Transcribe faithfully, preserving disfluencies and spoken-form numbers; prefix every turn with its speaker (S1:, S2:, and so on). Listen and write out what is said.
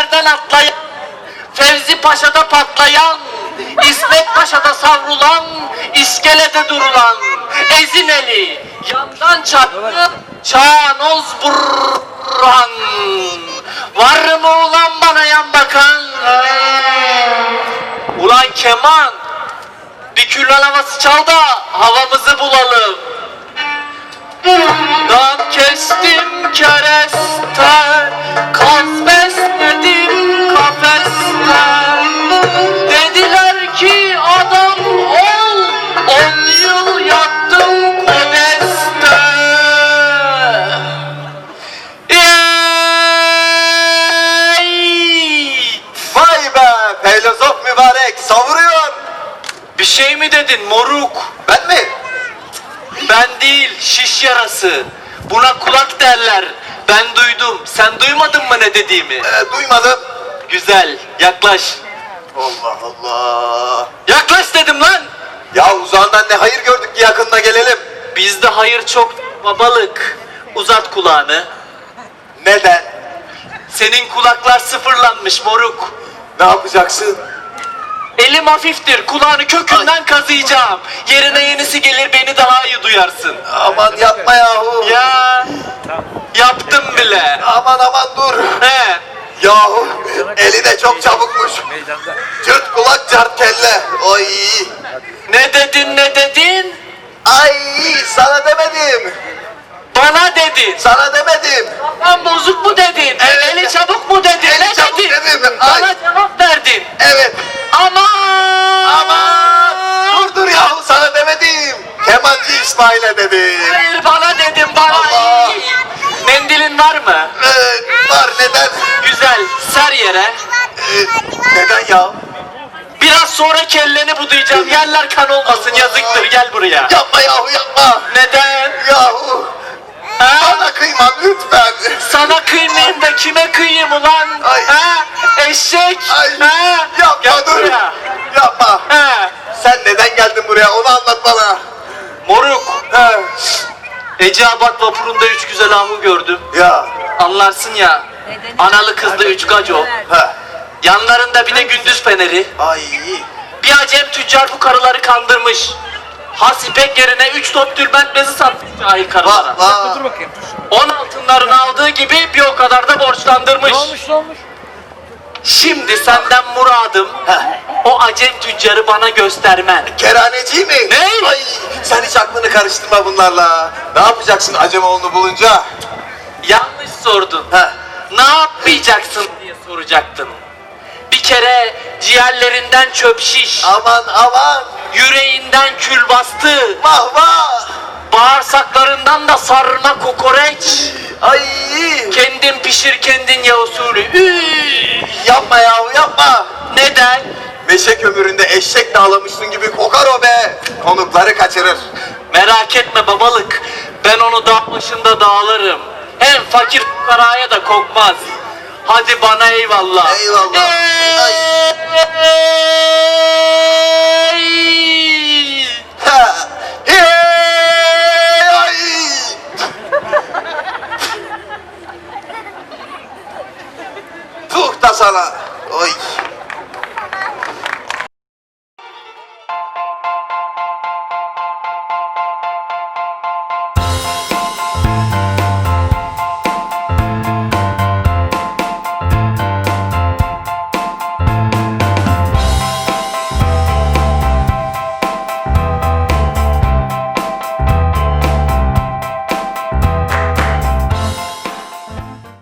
S1: Köprülerden atlayan, Fevzi Paşa'da patlayan, İsmet Paşa'da savrulan, iskelede durulan, Ezineli, yandan çaktı, Çağnoz Burhan. Var mı ulan bana yan bakan? Ulan keman, bir küllen havası çal da havamızı bulalım. Dam kestim kereste, kaz besledim kafeste. Dediler ki adam ol, on yıl yattım kodeste. Ey!
S2: Vay be, filozof mübarek savuruyor.
S1: Bir şey mi dedin moruk?
S2: Ben mi?
S1: Ben değil, şiş yarası. Buna kulak derler. Ben duydum. Sen duymadın mı ne dediğimi?
S2: Ee, duymadım.
S1: Güzel, yaklaş.
S2: Allah Allah.
S1: Yaklaş dedim lan.
S2: Ya uzağından ne hayır gördük ki yakınına gelelim.
S1: Bizde hayır çok babalık. Uzat kulağını.
S2: Neden?
S1: Senin kulaklar sıfırlanmış moruk.
S2: Ne yapacaksın?
S1: Elim hafiftir. Kulağını kökünden kazıyacağım. Yerine yenisi gelir, beni daha iyi duyarsın.
S2: Aman yapma yahu.
S1: Ya yaptım bile.
S2: Aman aman dur.
S1: He.
S2: Yahu eli de çok çabukmuş. Cırt kulak cart kelle. Oy.
S1: Ne dedin ne dedin?
S2: Ay sana demedim.
S1: Bana dedin.
S2: Sana demedim.
S1: Kafam bozuk mu dedin?
S2: Evet.
S1: Eli çabuk mu dedin?
S2: Eli
S1: Ne
S2: çabuk
S1: dedin?
S2: dedim.
S1: Bana
S2: Ay.
S1: cevap verdin.
S2: Evet.
S1: Aman!
S2: Aman. Dur dur yahu sana demedim. Kemancı İsmail'e dedim.
S1: Hayır bana dedim bana.
S2: Allah.
S1: Mendilin var mı?
S2: Ee, var neden?
S1: Güzel. Ser yere.
S2: Ee, neden ya?
S1: Biraz sonra kelleni budayacağım. Yerler kan olmasın.
S2: Allah.
S1: Yazıktır. Gel buraya.
S2: Yapma yahu yapma.
S1: Neden?
S2: Yahu.
S1: Ha?
S2: Bana kıyma lütfen.
S1: Sana kıymayayım da kime kıyayım ulan?
S2: Ay.
S1: Ha? Eşek.
S2: Ay.
S1: Ha?
S2: Yapma
S1: Gel
S2: dur.
S1: buraya.
S2: Yapma.
S1: Ha?
S2: Sen neden geldin buraya onu anlat bana.
S1: Moruk.
S2: He.
S1: Eceabat vapurunda üç güzel ahu gördüm.
S2: Ya.
S1: Anlarsın ya. Analı kızlı üç gaco.
S2: He.
S1: Yanlarında bir de gündüz feneri.
S2: Ay.
S1: Bir acem tüccar bu karıları kandırmış. Has ipek yerine üç top tülbent bezi satmış cahil karılara.
S2: Vah vah.
S3: Dur bakayım.
S1: On altınlarını aldığı gibi bir o kadar da borçlandırmış.
S3: Ne olmuş ne olmuş?
S1: Şimdi senden muradım
S2: Heh.
S1: o acem tüccarı bana göstermen.
S2: Kerhaneci mi?
S1: Ne?
S2: Ay. Sen hiç aklını karıştırma bunlarla. Ne yapacaksın Acemoğlu'nu bulunca?
S1: Yanlış sordun.
S2: Heh.
S1: Ne yapmayacaksın diye soracaktın. Bir kere ciğerlerinden çöp şiş,
S2: Aman aman.
S1: yüreğinden kül bastı,
S2: Vah vah.
S1: bağırsaklarından da sarma kokoreç.
S2: Ay.
S1: Kendin pişir kendin ya usulü. Üy!
S2: Yapma yahu yapma.
S1: Neden?
S2: Meşe kömüründe eşek dağlamışsın gibi kokar o be. Konukları kaçırır.
S1: Merak etme babalık. Ben onu dağ başında dağlarım. Hem fakir fukaraya da kokmaz. Hadi bana eyvallah.
S2: Eyvallah. Ay.
S1: Ey!
S2: Ha. Hey, ay. Tuh da sana. Oy.